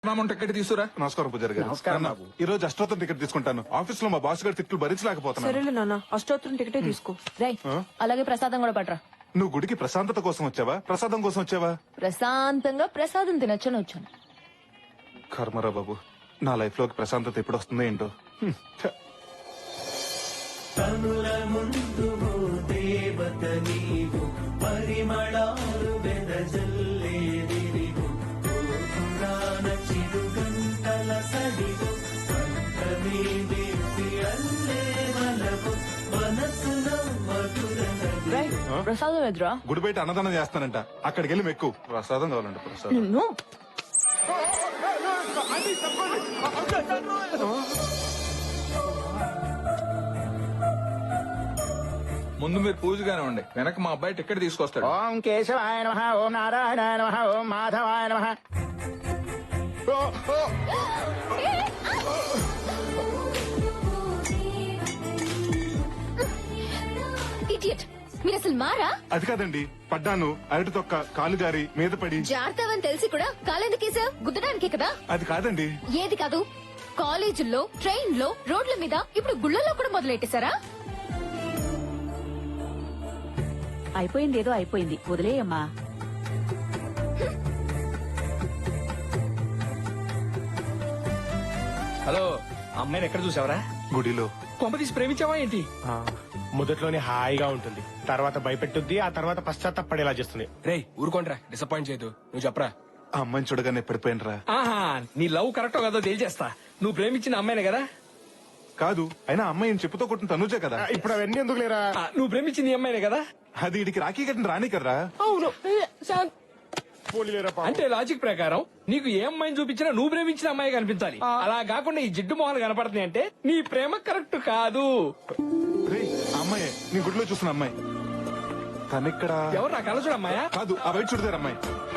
Ticket తీసుకురా. నమస్కారం పూజారి గారు. నమస్కారం నాన్న, ఈ రోజు అష్టోత్తరం టికెట్ తీసుకుంటాను. ఆఫీస్ లో మా బాస్ గారి తిట్లు భరించలేకపోతున్నాను. సరేలే నాన్న, అష్టోత్తరం టికెటే తీసుకో. రై అలాగే ప్రసాదం కూడా పట్రా. నువ్వు గుడికి ప్రశాంతత కోసం వచ్చావా, ప్రసాదం కోసం వచ్చావా? ప్రశాంతంగా ప్రసాదం తినొచ్చని వచ్చాను. కర్మరా బాబు, నా లైఫ్ లోకి ప్రశాంతత ఎప్పుడు వస్తుందో ఏంటో. ఛ. రై ప్రసాదం ఎదురా. గుడి బయట అన్నదానం చేస్తానంట, అక్కడికి వెళ్ళి మెక్కు. ప్రసాదం కావాలంట, ప్రసాదం. నిన్ను ముందు మీరు పూజగానే ఉండి, వెనక మా అబ్బాయి టికెట్ తీసుకొస్తాడు. ఓం కేశవాయ నమః, ఓం నారాయణాయ నమః, ఓం మాధవాయ నమః. ఇడియట్, మీరు అసలు మారా? అది కాదండి, పడ్డాను. అరటి తొక్క కాలు జారి మీద పడి. జాగ్రత్తవని తెలిసి కూడా కాలెందుకేసావు? గుద్దడానికే కదా. అది కాదండి. ఏది కాదు, కాలేజీల్లో, ట్రైన్ లో, రోడ్ల మీద, ఇప్పుడు గుళ్ళల్లో కూడా మొదలెట్టేశారా? అయిపోయింది, ఏదో అయిపోయింది, వదిలేయమ్మా. హలో, అమ్మాయిని ఎక్కడ చూసావరా? గుడిలో. కొంప తీసి ప్రేమించావా ఏంటి? మొదట్లోనే హాయిగా ఉంటుంది, తర్వాత భయపెట్టుద్ది, ఆ తర్వాత పశ్చాత్తాపడేలా చేస్తుంది. రేయ్ ఊరుకోండ్రా, డిసప్పాయింట్ చేయదు. నువ్వు చెప్పరా. ఆ అమ్మాయిని చూడగానే పడిపోయినరా. ఆహా, నీ లవ్ కరెక్టో కదో తేల్చేస్తా. నువ్వు ప్రేమించిన అమ్మాయినే కదా? కాదు, అయినా అమ్మాయి చెప్పుతో కొట్టిన తనుజే కదా. ఇప్పుడు అవన్నీ ఎందుకు లేరా? నువ్వు ప్రేమించింది ఈ అమ్మాయినే కదా? అది ఇడికి రాఖీ కట్టిన రాని కదరా. అవును. పోలీలేరా పాపం. అంటే లాజిక్ ప్రకారం నీకు ఏ అమ్మాయిని చూపించినా నువ్వు ప్రేమించిన అమ్మాయి కనిపించాలి. అలా కాకుండా ఈ జిడ్డు మొహాలు కనపడుతున్నాయి అంటే నీ ప్రేమ కరెక్ట్ కాదు. రేయ్, ఆ అమ్మాయే నీ గుడిలో చూసిన అమ్మాయి. తనిక్కడ. ఎవరు నా కలసుడు అమ్మాయా? కాదు, ఆ బయట చూడదారు అమ్మాయి.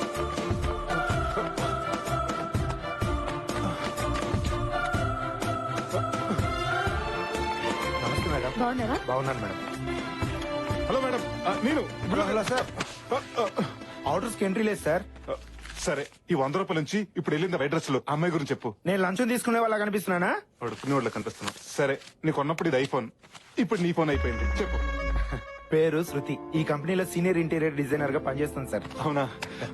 నమస్తే మేడం. బాగున్నారా? బాగున్నాను మేడం. హలో మేడం, నేను. హలో సార్, ఆర్డర్స్ కి ఎంట్రీ లేదు సార్. సరే, ఈ 100 రూపాయల నుంచి ఇప్పుడు వెళ్ళింది వైట్ డ్రెస్ లో అమ్మాయి గురించి చెప్పు. నేను లంచం తీసుకునే వాళ్ళ కనిపిస్తున్నానా? పడుకునే వాళ్ళ కనిపిస్తున్నావు. సరే, నీకు ఉన్నప్పుడు ఇది ఐఫోన్, ఇప్పుడు నీ ఫోన్ అయిపోయింది. చెప్పు. పేరు శృతి, ఈ కంపెనీలో సీనియర్ ఇంటీరియర్ డిజైనర్ గా పనిచేస్తాను సార్. అవునా?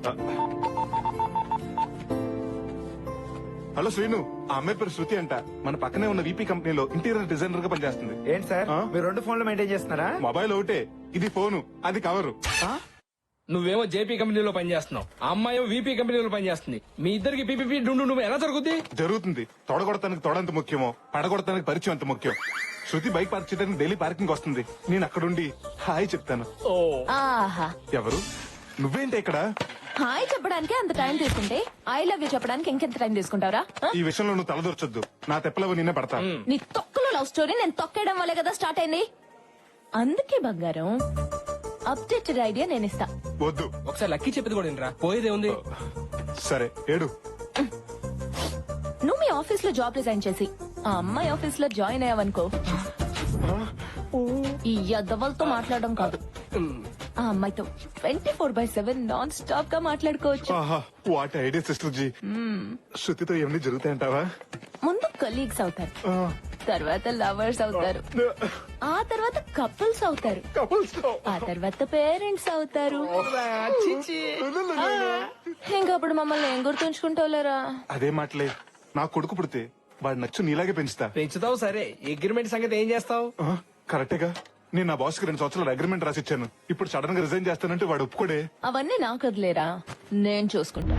హలో శ్రీను, ఆ అమ్మాయి పేరు శృతి అంట. మన పక్కనే ఉన్న వీపీ కంపెనీలో ఇంటీరియర్ డిజైనర్ గా పనిచేస్తుంది. ఏంటి సార్, మీరు 2 ఫోన్లు మెయింటైన్ చేస్తున్నారా? మొబైల్ ఒకటే, ఇది ఫోను, అది కవరు. నువ్వేమో జేపీ కంపెనీలో పనిచేస్తున్నావు, ఆ అమ్మాయి వీపీ కంపెనీలో పనిచేస్తుంది. మీ ఇద్దరికి పీపీపీ డుండు నువ్వు ఎలా జరుగుద్ది? జరుగుతుంది. తొడగొడతానికి తొడంత ముఖ్యమో, పడగొడతానికి పరిచయం అంత ముఖ్యం. శృతి బైక్ పార్క్ చేయడానికి డైలీ పార్కింగ్ వస్తుంది. నేను అక్కడుండి హాయ్ చెప్తాను. ఓ, ఆహా, ఎవరు? నువ్వేంటి ఇక్కడ? హాయ్ చెప్పడానికి అంత టైం తీసుకుంటే ఐ లవ్ యూ చెప్పడానికి ఇంకెంత టైం తీసుకుంటావరా? ఈ విషయంలో నువ్వు తలదొరచొద్దు. నా తెప్పలవు నిన్నే పడతా. నీ తొక్కలో లవ్ స్టోరీ నేను తొక్కేయడం వల్లే కదా స్టార్ట్ అయింది. అందుకే బంగారం, అప్డేటెడ్ ఐడియా నేను ఇస్తా. వద్దు. ఒకసారి లక్కీ చెప్పేది కూడా వినరా, పోయేదే ఉంది. సరే, ఏడు. నువ్వు మీ ఆఫీస్ లో జాబ్ రిజైన్ చేసి ఆ అమ్మాయి ఆఫీస్ లో జాయిన్ అయ్యావనుకో, ఈ యద్దవలతో మాట్లాడడం కాదు, ఆ అమ్మాయితో 24/7 నాన్ స్టాప్ గా మాట్లాడుకోవచ్చు. ఆహా, వాట్ ఐడియా సిస్టర్ జీ. శృతితో ఏమన్నీ జరుగుతాయంటావా? ముందు కలీగ్స్ అవుతారు, తర్వాత లవర్స్ అవుతారు, ఆ తర్వాత కపుల్స్ అవుతారు, ఆ తర్వాత పేరెంట్స్ అవుతారు. ఇంకప్పుడు మమ్మల్ని ఏం గుర్తుంచుకుంటావులేరా? అదే మాటలే. నా కొడుకు పుడితే వాడు నచ్చు నీలాగే పెంచుతా. పెంచుతావు సరే, అగ్రిమెంట్ సంగతి ఏం చేస్తావు? కరెక్టేగా. నేను నా బాస్ కి 2 సంవత్సరాలు అగ్రిమెంట్ రాసిచ్చాను. ఇప్పుడు సడన్ గా రిజైన్ చేస్తానంటే వాడు ఒప్పుకోడే. అవన్నీ నాకు వదిలేరా, నేను చూసుకుంటా.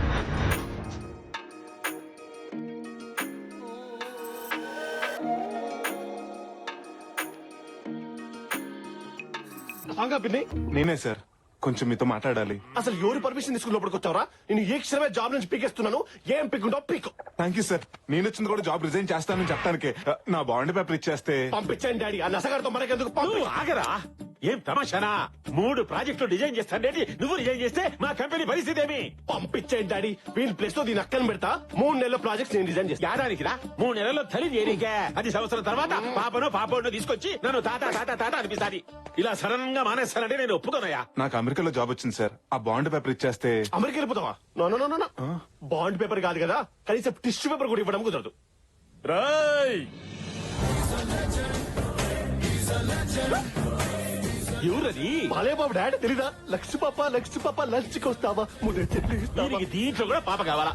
నేనే సార్, కొంచెం మీతో మాట్లాడాలి. అసలు ఎవరి పర్మిషన్ తీసుకుని లోపలికి వచ్చావరా? నేను ఏ క్షణమే జాబ్ నుంచి పీకేస్తున్నాను. ఏం పీకుంటావు పీకు. Thank you sir. నేను వచ్చింది కూడా జాబ్ రిజైన్ చేస్తానని చెప్పడానికే. నా బాండ్ పేపర్ ఇచ్చేస్తే పంపించండి డాడీ. ఆ నసగారితో మనకెందుకు? నువ్వు ఆగరా, ఏం తమాషానా 3 ప్రాజెక్టులు డిజైన్ చేస్తాండేటి నువ్వు డిజైన్ చేస్తే మా కంపెనీ పరిస్థితి ఏమి? పంపించేయండి డాడీ, వీళ్ళ ప్లేస్ లో దీని అక్కన పెడతా. 3 నెలల ప్రాజెక్ట్స్ నేను డిజైన్ చేస్తా. ఏడానికి రా 3 నెలల్లో తల్లి చేరికే 10 సంవత్సరాల తర్వాత పాపను తీసుకొచ్చి నన్ను తాత తాత తాత అనిపిస్తాది. ఇలా సడన్ గా మానేస్తానంటే నేను ఒప్పుకోనయ్యా. నాకు అమెరికాలో జాబ్ వచ్చింది సార్. ఆ బాండ్ పేపర్ ఇచ్చేస్తే అమెరికా వెళ్ళిపోతావా? No no no no bond paper కాదు కదా, కనీసం టిష్యూ పేపర్ కూడా ఇవ్వడం కుదరదు. రాయ్ ఎవరది? బాలే బాబు డాడీ తెలీదా? లక్ష్మి పాప లంచ్కి వస్తావా? ముద్ద చెల్లి ఇస్తావా? దీనికి దీంట్లో కూడా పాప కావాలా?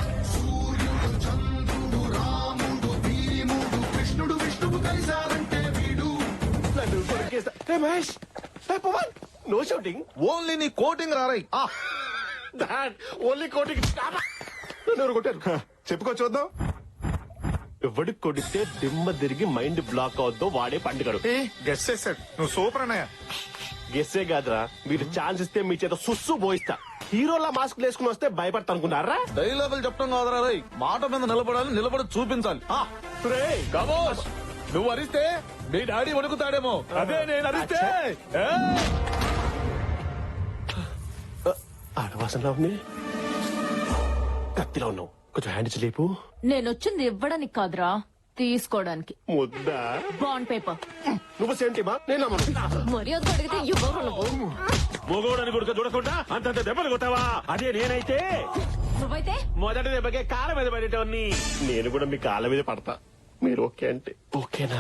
నన్ను కొరికేస్తా. Hey Mahesh, hey Pavan, no shouting. Only నీ కోటింగ్ రారాయి డాడ్ ఓన్లీ కోటింగ్. నన్ను ఎవరు కొట్టారు? చెప్పుకో చూద్దాం. ఎవడికి కొడితే దిమ్మ తిరిగి మైండ్ బ్లాక్ అవుద్దో వాడే పండుగడు. గెస్ చేశాడు. నువ్వు సూపర్ అన్నయ్య. గెస్సే కాదురా, మీరు ఛాన్స్ ఇస్తే మీ చేత సుస్సు పోయిస్తా. హీరోలా మాస్క్ వేసుకుని వస్తే భయపడతా అనుకున్నారా? డైలాగులు చెప్పడం కాదురా రేయ్, మాట మీద నిలబడాలి, నిలబడి చూపించాలి. రేయ్, కమోన్, నువ్వు అరిస్తే నీ డాడీ వణుకుతాడేమో, అదే నేను అరిస్తే. ఆడవాసనలా ఉంది, కత్తిలో ఉన్నావు. కొంచెం హ్యాండ్ లేపు. నేనొచ్చింది ఇవ్వడానికి కాదురా, తీసుకోవడానికి. ముద్దా బాండ్ పేపర్. నువ్వు సెంటిమా? నేను నమ్మను. మర్యాద అడిగితే ఇవ్వరు నువ్వు. మొగోడని కొడుకు చూడకుండా అంతంత దెబ్బలు కొట్టావా? అదే నేనైతే నువ్వైతే మొదటి దెబ్బకే కాళ్ళ మీద పడేటోన్ని. నేను కూడా మీ కాళ్ళ మీద పడతా. మీరు ఓకే అంటే ఓకేనా?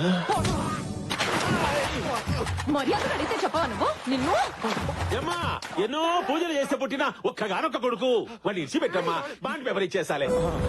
మర్యాద అడిగితే చెప్పవా నువ్వు? నిన్ను ఏమ్మా, ఎన్నో పూజలు చేస్తే పుట్టిన ఒక్కగానొక్క కొడుకు. వాడిని ఇచ్చి పెట్టమ్మా, బాండ్ పేపర్ ఇచ్చేసాలే.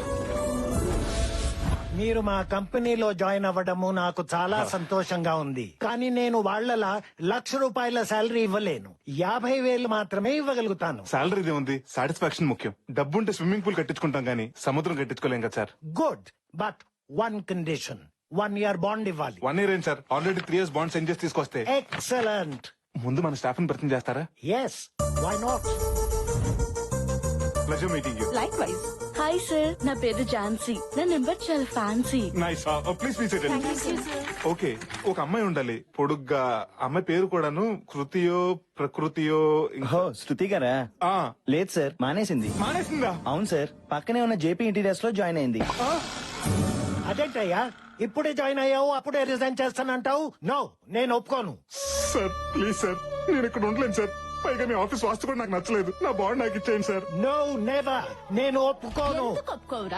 మీరు మా కంపెనీలో జాయిన్ అవ్వడము నాకు చాలా సంతోషంగా ఉంది. కానీ నేను వాళ్ళలా ₹1,00,000 శాలరీ ఇవ్వలేను. 50,000 మాత్రమే ఇవ్వగలుగుతాను. సాలరీదే ఉంది, సాటిస్ఫాక్షన్ ముఖ్యం. డబ్బుంటే స్విమ్మింగ్ పూల్ కట్టించుకుంటాం గానీ సముద్రం కట్టించుకోలేం కదా sir. Good, but 1 condition. 1 year bond ఇవ్వాలి. 1 year ఏంటి sir, already 3 years bond send చేసి తీసుకొస్తే. ఎక్సలెంట్. ముందు మన స్టాఫ్ ని పరిచయం చేస్తారా? Yes, why not? Pleasure meeting you. Likewise. Hi sir, నా పేరు ఝాన్సీ. నా నెంబర్ చాలా fancy. Nice. Please please. Okay, ఒక అమ్మాయి ఉండాలి పొడుగ్గా. అమ్మాయి పేరు కూడాను కృతియో ప్రకృతియో. శృతి గారా? ఆ, లేదు సార్, మానేసింది. మానేసిందా? అవును సార్, పక్కనే ఉన్న జేపీ ఇంటీరియర్స్ లో జాయిన్ అయింది. అదేంటయ్యా, ఇప్పుడే జాయిన్ అయ్యావు అప్పుడే రిజైన్ చేస్తానంటావు? నో, నేను ఒప్పుకోను. సార్ ప్లీజ్ సార్, నేను ఇక్కడ ఉండలేను సార్. పైగా మీ ఆఫీస్ వాస్తు కూడా నాకు నచ్చలేదు. నా బాండ్ నాకు ఇచ్చేయండి సార్. No, never. నేను ఒప్పుకోను. ఎందుకు ఒప్పుకోవురా?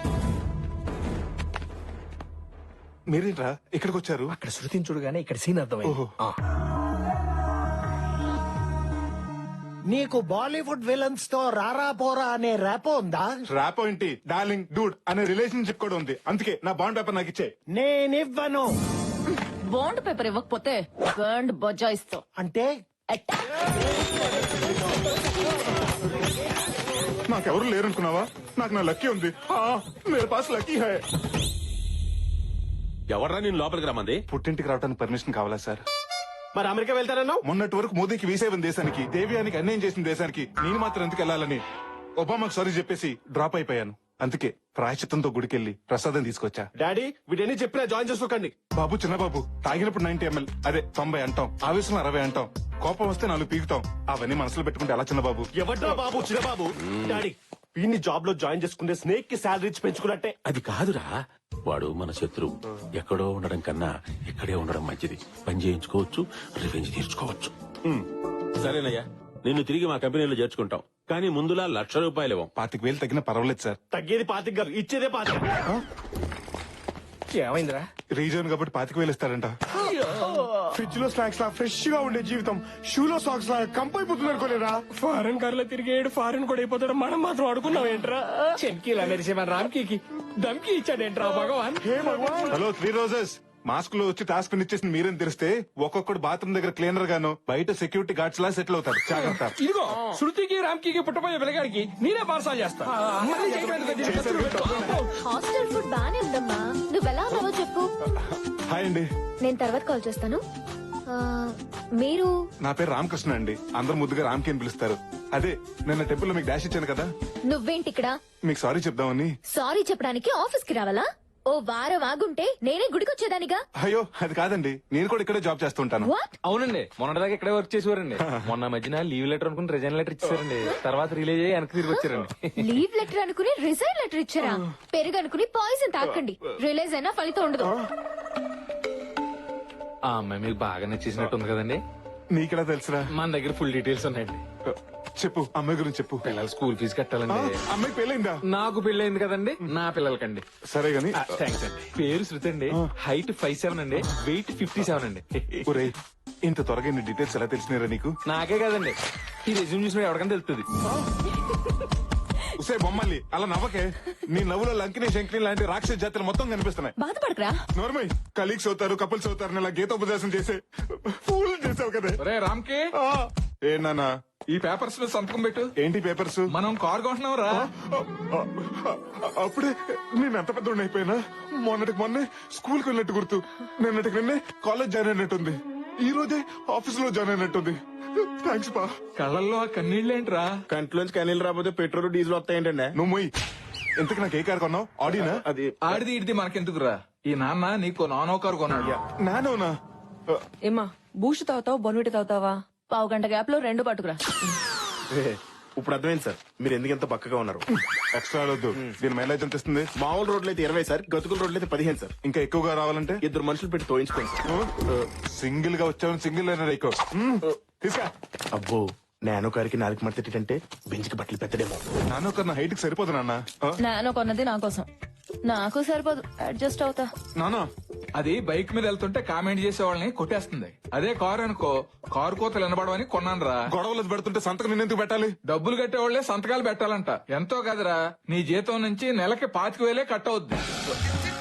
మీరేంట్రా ఇక్కడికి వచ్చారు? అక్కడ శృతిని చూడగానే ఇక్కడ సీన్ అర్థమైంది. ఓహో. నీకు బాలీవుడ్ విలన్స్ తో రారా పోరా అనే ర్యాపో ఉందా? ర్యాప్ ఏంటి, డార్లింగ్ డూడ్ అనే రిలేషన్షిప్ కూడా ఉంది. అందుకే నా బాండ్ పేపర్ నాకు ఇచ్చే. నేనివ్వను. బాండ్ పేపర్ ఇవ్వకపోతే బాండ్ బజాయిస్తావు. అంటే నాకెవరు లేరనుకున్నావా? నాకు నా లక్కీ ఉంది. మేరే పాస్ లక్కీ హై. ఎవర్రా నేను లోపలికి రమ్మంది? పుట్టింటికి రావడానికి పర్మిషన్ కావాలా సార్? మరి అమెరికా వెళ్తానన్నావు? మొన్నటి వరకు మోదీకి వీసా ఇవ్వని దేశానికి, దేవ్యానికి అన్యాయం చేసిన దేశానికి నేను మాత్రం ఎందుకు వెళ్ళాలని ఒబామాకు సారీ చెప్పేసి డ్రాప్ అయిపోయాను. అందుకే ప్రాయశ్చిత్తంతో గుడికెళ్ళి ప్రసాదం తీసుకొచ్చా. డాడీ వీటన్ని చెప్పినా జాయిన్ చేసుకోకండి. బాబు చిన్న బాబు, తాగినప్పుడు 90 ml, అదే 90 అంటాం. ఆవేశంలో 60 అంటాం. కోపం వస్తే 4 పీకుతాం. అవన్నీ మనసులో పెట్టుకుంటే ఎలా చిన్న బాబు? ఎవడ్రా బాబు చిన్న బాబు? డాడీ వీడిని జాబ్ లో జాయిన్ చేసుకుంటే స్నేక్ కి శాలరీ ఇచ్చి పెంచుకున్నట్టే. అది కాదురా, వాడు మన శత్రువు. ఎక్కడో ఉండడం కన్నా ఇక్కడే ఉండడం మంచిది. పని చేయించుకోవచ్చు, రివెంజ్ తీర్చుకోవచ్చు. సరేనయ్యా, నిన్ను తిరిగి మా కంపెనీలో చేర్చుకుంటాం. కానీ ముందులా ₹1,00,000 ఇవ్వం. 25,000 తగ్గినా పర్వాలేదు సార్. తగ్గేది 25 గారు, ఇచ్చేదే 25. ఏమైందిరా? రీజన్ కాబట్టి 25,000 ఇస్తారంట. ఫ్రిడ్జ్ లో స్నాక్స్ లా ఫ్రెష్ గా ఉండే జీవితం షూలో సాక్స్ లా కంపైపోతుంది అనుకోలేరా? ఫారెన్ కార్లో తిరిగేడు ఫారెన్ కూడా అయిపోతాడు. మనం మాత్రం అడుకున్నాం ఏంట్రా? చెన్కీలా మెరిసే మన రామ్కీకి దమ్కి ఇచ్చాడేంట్రా భగవాన్? Hello 3 roses. మాస్క్ లో వచ్చి టాస్క్ ఇచ్చేసి మీరేం తెలిస్తే ఒక్కొక్కడు బాత్రూమ్ దగ్గర క్లీనర్ గాను బయట సెక్యూరిటీ గార్డ్స్ లా సెటిల్ అవుతారు. జాగ్రత్త. ఇదిగో శృతికి రామ్కీకి పుట్టపోయే పిల్లగాడికి నేనే పార్సల్ చేస్తా. మళ్ళీ చేయడానికి దీన్ని ఖర్చులు పెట్టు. హాస్టల్ ఫుడ్ బానే ఉందమ్మా. నువ్వు ఎలా ఉన్నావో చెప్పు. హాయ్ అండి, నేను తర్వాత కాల్ చేస్తాను. మీరు? నా పేరు రామకృష్ణ అండి. అందరు ముద్దుగా రామ్కి అని పిలుస్తారు. అదే నిన్న టెంపుల్ లో మీకు డాష్ ఇచ్చాను కదా, నువ్వేంటి ఇక్కడ? మీకు సారీ చెప్దామని. సారీ చెప్పడానికి ఆఫీస్ కి రావాలా? ఓ వారం ఆగుంటే నేనే గుడికొచ్చేదానిగా. అయ్యో అది కాదండి, నేను కూడా ఇక్కడే జాబ్ చేస్తుంటాను. వాట్? అవునండి, మొన్నటిదాకా ఇక్కడే వర్క్ చేసేవారండి. మొన్న మధ్యన లీవ్ లెటర్ అనుకుని రిజైన్ లెటర్ ఇచ్చారండి. తర్వాత రిలీజ్ అయ్యి వెనక్కి తిరిగి వచ్చారండి. లీవ్ లెటర్ అనుకుని రిజైన్ లెటర్ ఇచ్చారా? పెరుగు అనుకుని పాయిజన్ తాకండి. రిలీజ్ అయినా ఫలితం ఉండదు. ఆ అమ్మాయి మీకు బాగా నచ్చేసినట్టు ఉంది కదండి. నీకెలా తెలుసురా? మన దగ్గర ఫుల్ డీటెయిల్స్ ఉన్నాయండి. చెప్పు, అమ్మాయి గురించి చెప్పు. పిల్లల స్కూల్ ఫీజు కట్టాలండి. అమ్మాయి పెళ్ళైందా? నాకు పెళ్ళైంది కదండి, నా పిల్లలకండి. సరే గాని థ్యాంక్స్ అండి. పేరు శృతి అండి, హైట్ 5'7" అండి, వెయిట్ 57 అండి. ఒరేయ్, ఇంత త్వరగా ఇన్ని డీటెయిల్స్ ఎలా తెలిసినారా నీకు? నాకే కదండి, ఈ రెజ్యూమ్ చూసిన ఎవరికైనా తెలుస్తుంది. ఉసే బొమ్మల్లి అలా నవ్వకే. నీ నవ్వులో లంకిని శంకిని లాంటి రాక్షస జాతులు మొత్తం కనిపిస్తున్నాయి. బాధపడకరా. నోర్మై, కలీగ్స్ అవుతారు, కపుల్స్ అవుతారు, ఇలా గీతోపదేశం చేసే ఫూల్ చేసావు కదా. ఒరే రామ్కి, ఏనా ఈ పేపర్స్ లో సంతకం పెట్టు. ఏంటి పేపర్స్? మనం కార్ కొంటున్నాం రా. అప్పుడే నేను ఎంత పెద్ద అయిపోయినా. మొన్నటికి మొన్నే స్కూల్ కి వెళ్ళినట్టు గుర్తు. నిన్నటికి నిన్నే కాలేజ్ జాయిన్ అయినట్టుంది. ఈ రోజే ఆఫీస్ లో జాయిన్ అయినట్టుంది. థ్యాంక్స్ బా. కళ్ళల్లో ఆ కన్నీళ్ళేంట్రా? కంట్లోంచి కనీళ్ళు రాకపోతే పెట్రోల్ డీజిల్ వస్తాయంటండి. నువ్వు మొయ్. ఇంతకు నాకు ఏ కార్ కొన్నావు? ఆడినా? అది ఆడిది ఇడిది మనకెందుకురా? ఈ నాన్న నీకు నానో కార్ కొన్నాడు. నానోనా? ఏమా బూస్ట్ తాగుతావా బొన్విటి తాగుతావా? పావు గంట గ్యాప్ లో 2 పట్టుకురా. ఇప్పుడు అర్థమైంది సార్ మీరు ఎందుకు ఎంత పక్కగా ఉన్నారు. ఎక్స్ట్రా ఆడొద్దు. దీని మైలేజ్ ఎంత ఇస్తుంది? మామూలు రోడ్లు అయితే 20 సార్, గతుకుల రోడ్లు అయితే 15 సార్. ఇంకా ఎక్కువగా రావాలంటే 2 మనుషులు పెట్టి తోయించుకోండి సార్. సింగిల్ గా వచ్చావు, సింగిల్ అయినా ఎక్కువ తీసుకా. అబ్బో నానో కారికి 4 మడతేటంటే బెంచ్కి బట్టలు పెట్టడేమో. నానో కన్నా హైట్ కి సరిపోదు నాన్న. నాన్న కొన్నది నా కోసం, నాకు సరిపోదు, అడ్జస్ట్ అవుతా. నానా అది బైక్ మీద వెళ్తుంటే కామెంట్ చేసే వాళ్ళని కొట్టేస్తుంది. అదే కారు అనుకో, కారు కోతలు వినబడవని కొన్నాను రా. గొడవలు పెడుతుంటే సంతకం నిన్నెందుకు పెట్టాలి? డబ్బులు కట్టేవాళ్లే సంతకాలు పెట్టాలంట. ఎంతో కదరా, నీ జీతం నుంచి నెలకి 25,000 కట్ అవుద్ది.